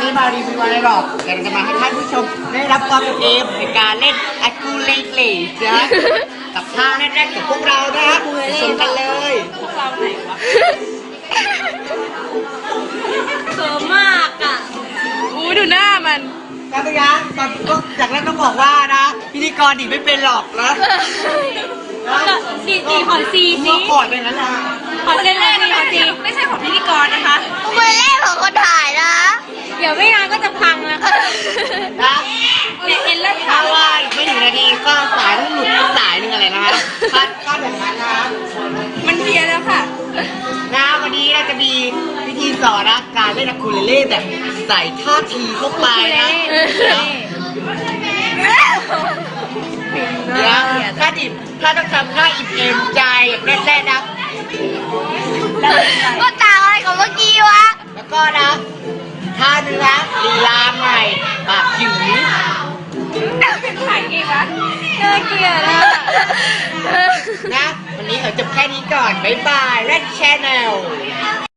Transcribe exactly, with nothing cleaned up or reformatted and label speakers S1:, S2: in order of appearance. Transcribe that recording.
S1: ได้มารีวิวอะไรหรอกแต่เราจะมาให้ท่านผู้ชมได้รับความเป็นเอมในการเล่นอะคูเลเล่นะกับท่าแน่ๆกับพวกเรานะครับชมกันเลย
S2: พวกเราไหนวะเขินมากอ่ะอู้ดูหน้ามัน
S1: ครับพี่ยักษ์ตอนก็จากนั้นต้องบอกว่านะพิธีกรดีไม่เป็นหรอกนะ
S2: ดีดีขอซีซี
S1: ก็ขอดไปนั้นนะ
S2: ขอเล่นเลยขอซีไม่ใช่ของพิธีกรนะคะ
S3: มือเล่นของคนถ่ายนะ
S2: เดี๋ยวไม่นานก็จะพังแล้ว
S1: นะ
S2: เนี่ยเห็นแล้ว
S1: ถ้าว่าอีกไม่ถึงนาทีก็สายต้องหลุดไปสายหนึ่งอะไรนะคะคาดคาดแบบนั้นนะ
S2: มันเพี้ยนแล้วค่ะ
S1: นะวันนี้เราจะมีวิธีสอนนะการเล่นอะคูเลเล่แบบใส่ท่าทีเข้าไปนะเดี๋ยวถ้าดิบถ้าต้องทำท่าอิ่มเอมใจแบบแรกๆนะ
S3: ก็ต่างอะไรกับเมื่อกี้วะ
S1: แล้วก็นะท่านึงนะลีลาใหม่ปากหยืด
S2: เป็นถ่ายเองวะน่าเกลียดอ่ะ
S1: นะวันนี้ขอจบแค่นี้ก่อนบ๊ายบาย Red Channel